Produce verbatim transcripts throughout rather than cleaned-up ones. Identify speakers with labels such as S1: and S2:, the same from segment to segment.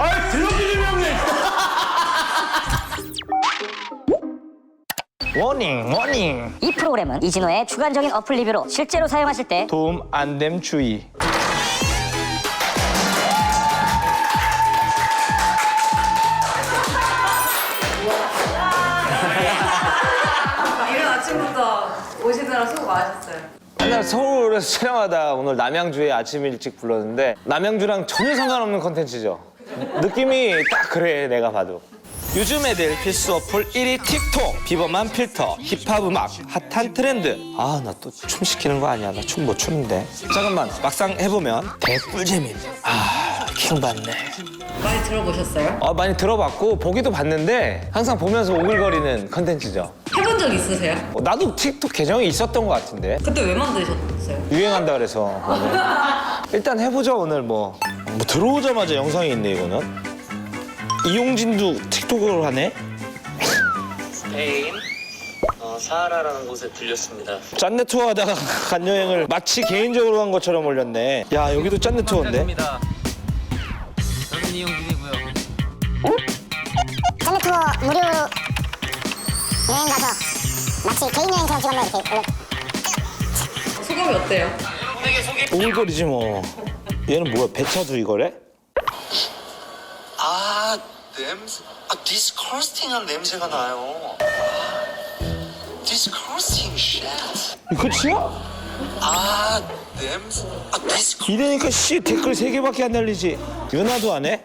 S1: 아, 들려주는 형님. 워닝, 워닝.
S2: 이 프로그램은 이진호의 주관적인 어플 리뷰로 실제로 사용하실 때
S1: 도움 안 됨 주의.
S3: 이른 아침부터 오시느라 수고 많으셨어요.
S1: 옛날 서울에서 촬영하다 오늘 남양주에 아침 일찍 불렀는데 남양주랑 전혀 상관없는 컨텐츠죠. 느낌이 딱 그래, 내가 봐도. 요즘 애들 필수 어플 일 위 틱톡. 비범한 필터, 힙합 음악, 핫한 트렌드. 아, 나 또 춤 시키는 거 아니야? 나 춤 못 추는데. 잠깐만, 막상 해보면 개꿀재민. 아, 킹받네.
S3: 많이 들어보셨어요?
S1: 아, 많이 들어봤고 보기도 봤는데 항상 보면서 오글거리는 컨텐츠죠.
S3: 해본 적 있으세요?
S1: 어, 나도 틱톡 계정이 있었던 것 같은데.
S3: 그때 왜 만드셨어요?
S1: 유행한다 그래서. 일단 해보죠, 오늘 뭐. 뭐 들어오자마자 영상이 있네, 이거는. 이용진도 틱톡을 하네?
S4: 스페인 어, 사하라라는 곳에 들렸습니다.
S1: 짠내 투어 하다가 간 여행을 마치 개인적으로 간 것처럼 올렸네. 야, 여기도 짠내 투어인데?
S4: 저는 이용진이고요.
S5: 짠내 투어 무료 여행 가서 마치 개인 여행처럼 찍었네 이렇게 올려.
S3: 소감이 어때요?
S1: 오글거리지 뭐. 얘는 뭐야, 배차도 이거래?
S6: 아, 냄새. 아, 디스커스팅한 냄새가 나요. 디스커스팅 쉣.
S1: 이거 끝이야?
S6: 아, 냄새. 아, 디스커.
S1: 이러니까 씨 댓글 세 개밖에 안 달리지. 윤아도 안 해?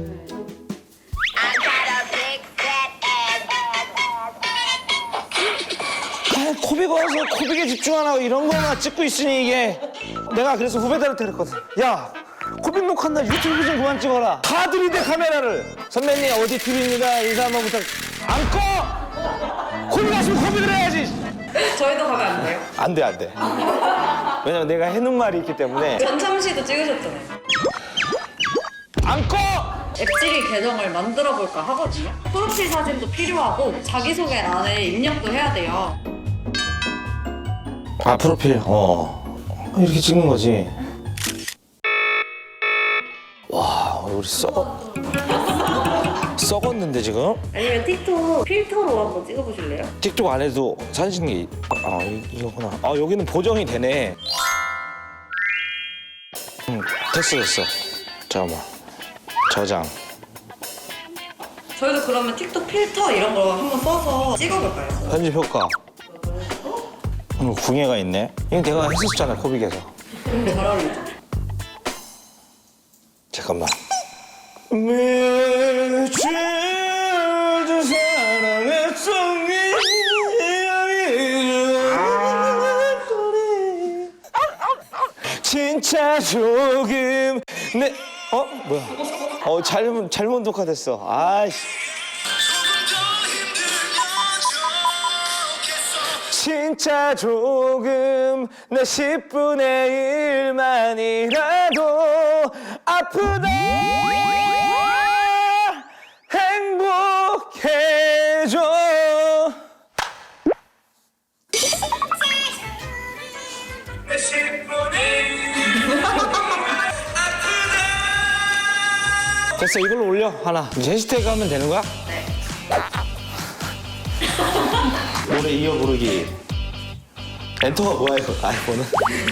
S1: 아, 코빅 와서 코빅에 집중 안 하고 이런 거만 찍고 있으니 이게. 내가 그래서 후배들한테 그랬거든. 야, 코빅 녹화한 날 유튜브 좀 그만 찍어라. 다 들이대 카메라를. 선배님 어디 티비입니다. 인사 한번 부탁. 안 꺼! 코빅 왔으면 코빅을 해야지.
S3: 저희도 가면 안 돼요?
S1: 안 돼, 안 돼. 왜냐면 내가 해놓은 말이 있기 때문에.
S3: 전참시도 찍으셨잖아요.
S1: 안 꺼!
S3: 앱지리 계정을 만들어 볼까 하거든요. 프로필 사진도 필요하고 자기소개란에 입력도 해야 돼요.
S1: 아, 프로필. 어. 이렇게 찍는 거지. 와, 우리 썩 썩었는데 지금?
S3: 아니면 틱톡 필터로 한번 찍어보실래요?
S1: 틱톡 안에도 사진 찍는 게. 아, 이, 이거구나. 아, 여기는 보정이 되네. 응, 됐어, 됐어. 잠깐만. 저장.
S3: 저희도 그러면 틱톡 필터 이런 거 한번 써서 찍어볼까요?
S1: 편집 효과. 음, 궁예가 있네. 이거 내가 했었잖아, 코빅에서.
S3: 잘 어울리죠?
S1: 잠깐만. 매주도 사랑했던 진짜 조금 내 어? 뭐야? 어, 잘못 잘못 녹화됐어. 아이씨. 진짜 조금 내 십분의 일만이라도 아프다 행복해져. 됐어, 이걸로 올려 하나. 이제 해시태그 하면 되는 거야?
S3: 네.
S1: 노래 이어 부르기. 엔터가 뭐야 이거? 아이폰은?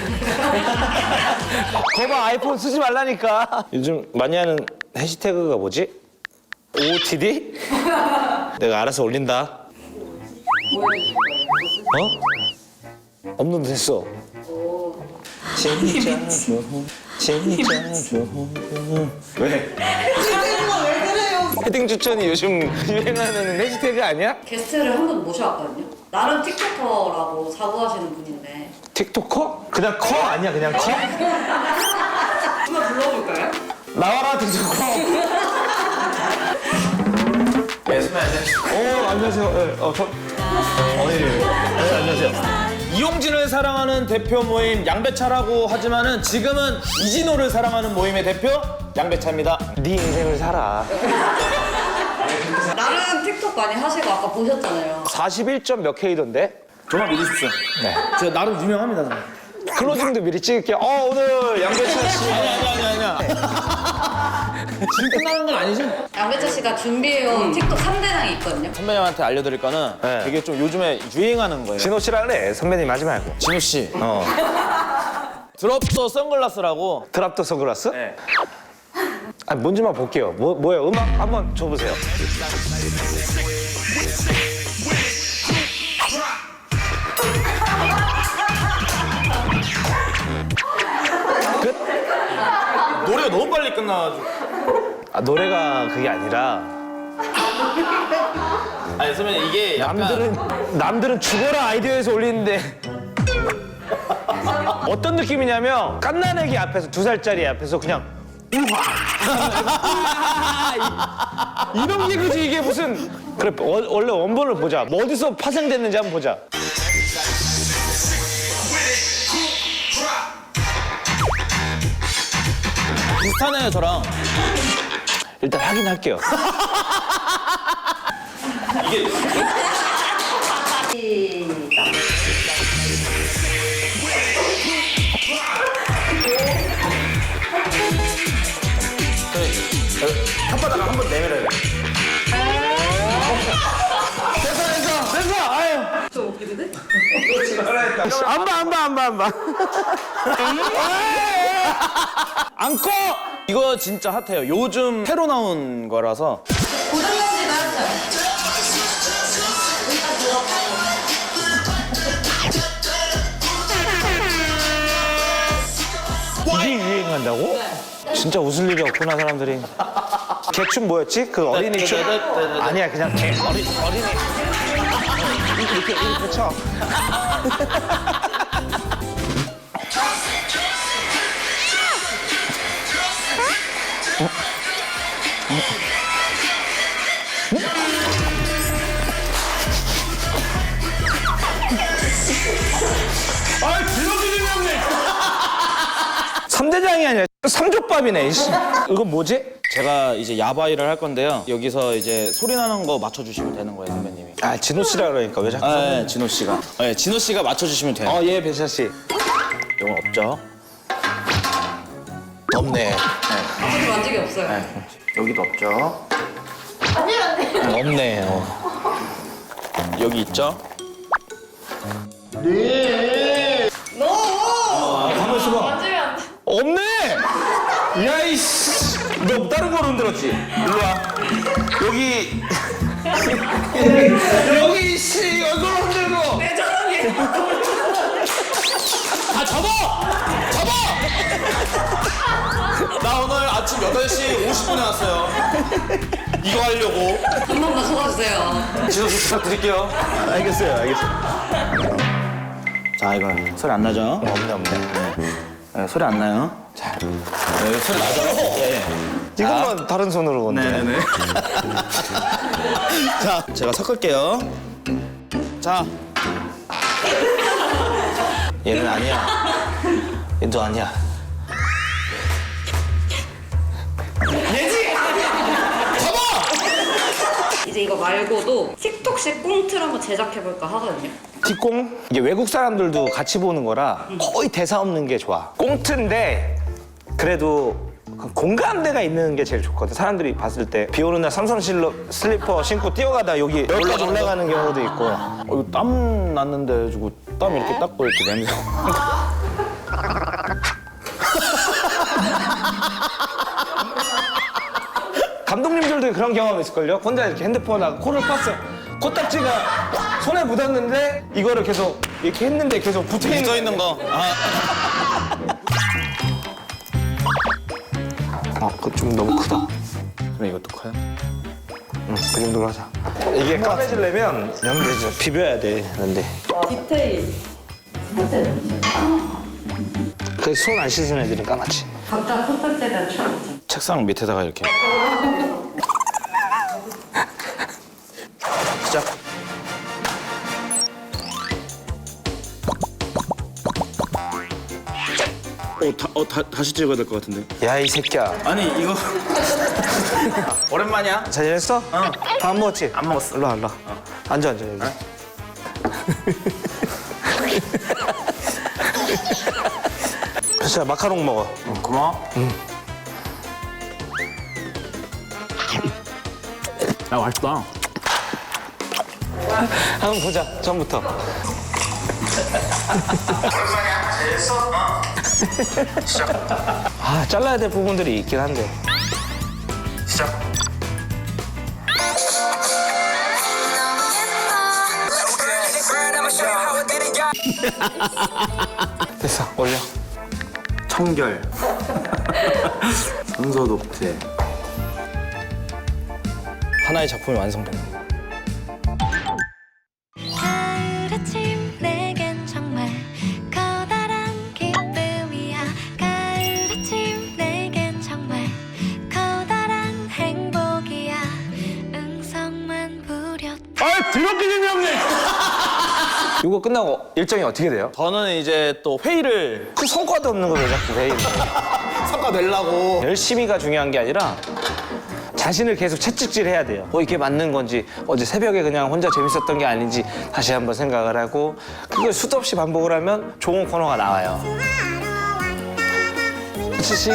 S1: 거봐, 아이폰 쓰지 말라니까. 요즘 많이 하는 해시태그가 뭐지? 오오티디? 내가 알아서 올린다. 어? 없는데 됐어. 진짜 좋은, 진짜 좋은. 왜? 헤딩 추천이 요즘 유행하는 해시태그 아니야?
S3: 게스트를 한 분 모셔왔거든요. 나름 틱톡커라고 자부하시는 분인데
S1: 틱토커? 그냥 커 아니야, 그냥 커?
S3: 한번 불러볼까요?
S1: 나와라, 틱토커. 네, 선배 안녕하세요. 어, 안녕하세요. 네, 어, 저. 어, 예, 예. 네, 안녕하세요. 이용진을 사랑하는 대표 모임 양배차라고 하지만은 지금은 이진호를 사랑하는 모임의 대표 양배차입니다. 네 인생을 살아.
S3: 나름 틱톡 많이 하시고 아까 보셨잖아요.
S1: 사십일 점 몇 K던데?
S7: 정말 믿으십시오.
S1: 네.
S7: 제가 나름 유명합니다. 저는.
S1: 클로징도 미리 찍을게요. 어, 오늘 양배차 씨.
S7: 아니 아니 아니 아니야. 지금 끝나는 건 아니지?
S3: 양배차 씨가 준비해온 틱톡 삼 대장이 있거든요.
S7: 선배님한테 알려드릴 거는
S1: 네.
S7: 되게 좀 요즘에 유행하는 거예요.
S1: 진호 씨라 그래. 선배님 하지 말고.
S7: 진우 씨.
S1: 어.
S7: 드롭더 선글라스라고.
S1: 드랍더 선글라스?
S7: 네.
S1: 아, 뭔지만 볼게요. 뭐, 뭐예요? 음악 한번 줘보세요.
S7: 노래가 너무 빨리 끝나가지고.
S1: 아, 노래가 그게 아니라
S7: 아니 선배님 이게 약간
S1: 남들은 남들은 죽어라 아이디어에서 올리는데 어떤 느낌이냐면 깐난애기 앞에서 두 살짜리 앞에서 그냥 우와 이런 게 그지 이게 무슨 그래 원- 원래 원본을 보자 뭐 어디서 파생됐는지 한번 보자.
S7: 비슷하네요 저랑.
S1: 일단 확인할게요.
S3: 시작.
S7: 혓바닥을 한번 내밀어야 돼.
S1: 됐어 아유
S3: 저 웃기는데?
S1: 안 봐 안 봐 안 봐 안 봐.
S7: 안 꺼! 이거 진짜 핫해요. 요즘 새로 나온 거라서.
S3: 고정연지도 하죠.
S1: 이게 유행한다고? 진짜 웃을 일이 없구나 사람들이. 개춤 뭐였지? 그 어린이 춤? 아니야 그냥 개 어린 어린이 이렇게 이렇게 쳐. 아, 들어주는 없네. 삼대장이 아니라 삼족밥이네. 이씨. 이건 뭐지?
S7: 제가 이제 야바이를 할 건데요. 여기서 이제 소리 나는 거 맞춰주시면 되는 거예요, 선배님이.
S1: 아, 진호 씨라 그러니까 왜 자꾸?
S7: 아, 네, 진호 씨가. 네, 진호 씨가 맞춰주시면 돼요.
S1: 어, 예, 배차 씨.
S7: 이건 없죠?
S1: 없네.
S3: 저도 만지기 없어요.
S7: 네, 여기도 없죠?
S1: 없네. 어.
S7: 여기 있죠?
S1: 가만 있어봐.
S3: 만지면 안 돼.
S1: 없네. 야 이씨. 너 다른 거로 흔들었지? 일로 와. 여기. 여기 씨 이걸로 흔들고.
S3: 내 저녁에.
S7: 다 접어! 접어! 나 오늘 아침 여덟 시 오십 분에 왔어요. 이거 하려고.
S3: 한 번만 속아주세요.
S7: 진호 씨 부탁드릴게요.
S1: 알겠어요, 알겠어요.
S7: 자, 이거 소리 안 나죠?
S1: 없네, 없네.
S7: 네, 소리 안 나요? 자, 네, 소리 나죠? 네.
S1: 이것만 다른 손으로 건데.
S7: 네네네. 자, 제가 섞을게요. 자,
S1: 얘는 아니야. 얘도 아니야.
S3: 이제 이거 말고도 틱톡식 꽁트를 한번 제작해볼까 하거든요.
S1: 뒷공? 이게 외국 사람들도 같이 보는 거라 거의 대사 없는 게 좋아. 꽁트인데 그래도 그 공감대가 있는 게 제일 좋거든. 사람들이 봤을 때 비 오는 날 삼선 실로, 슬리퍼 신고 뛰어가다 여기 여기까지 올라가는 경우도 있고.
S7: 어, 이거 땀 났는데 해가지고 땀 이렇게 닦고 이렇게 냄새.
S1: 감독님들도 그런 경험 있을걸요? 혼자 이렇게 핸드폰하고 코를 팠어. 코딱지가 손에 묻었는데 이거를 계속 이렇게 했는데 계속 붙어있는
S7: 묻어 있는 거. 아,
S1: 아, 그거 좀 너무 크다.
S7: 그럼 이것도 커요?
S1: 응, 그 정도로 하자. 이게 까매지려면 연대죠. 비벼야 돼, 근데.
S3: 디테일.
S1: 그 손 안 씻은 애들은 까맣지.
S3: 각자 선택에 대한 추천.
S7: 책상 밑에다가 이렇게. 시작. 어, 다, 어 다, 다시 찍어야 될 것 같은데.
S1: 야, 이 새끼야.
S7: 아니 이거 오랜만이야?
S1: 잘 지냈어?
S7: 어.
S1: 밥 먹었지?
S7: 안 먹었어.
S1: 일로 와, 일로 와. 앉아, 앉아, 여기. 자, 마카롱 먹어.
S7: 고마워. 야, 맛있다.
S1: 한번 보자, 처음부터. 아, 잘라야 될 부분들이 있긴 한데.
S6: 시작.
S1: 됐어, 올려.
S7: 청결. 순서 독재.
S1: 하나의 작품이 완성된 거.
S8: 가을 아침 내겐 정말 커다란 기쁨이야. 가을 아침 내겐 정말 커다란 행복이야. 응성만 부렸다.
S7: 아, 드럽게 재미없네.
S1: 이거 끝나고 일정이 어떻게 돼요?
S7: 저는 이제 또 회의를
S1: 그 성과도 없는 거 왜 자꾸 회의를.
S7: 성과 내려고.
S1: 열심히가 중요한 게 아니라 자신을 계속 채찍질 해야 돼요. 어, 이게 맞는 건지, 어제 새벽에 그냥 혼자 재밌었던 게 아닌지 다시 한번 생각을 하고, 그걸 수도 없이 반복을 하면 좋은 코너가 나와요. 지신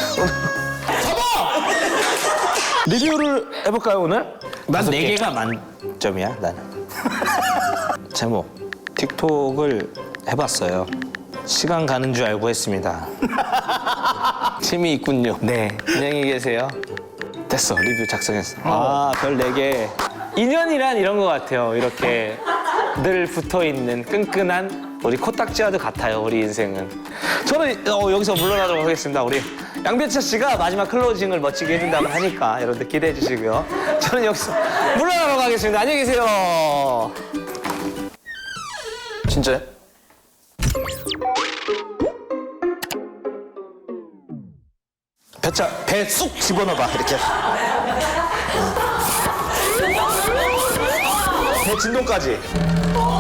S1: 리뷰를 해볼까요, 오늘? 난 네 개가 만점이야, 나는. 제목, 틱톡을 해봤어요. 시간 가는 줄 알고 했습니다. 재미있군요. 네, 안녕히 계세요. 됐어, 리뷰 작성했어. 아, 별 네 개. 인연이란 이런 것 같아요. 이렇게 늘 붙어있는 끈끈한 우리 코딱지와도 같아요, 우리 인생은. 저는 어, 여기서 물러나도록 하겠습니다. 우리 양배차 씨가 마지막 클로징을 멋지게 해준다고 하니까 여러분들 기대해 주시고요. 저는 여기서 물러나도록 하겠습니다. 안녕히 계세요.
S7: 진짜요?
S1: 배차, 배 쑥 집어넣어봐, 이렇게. 배 진동까지.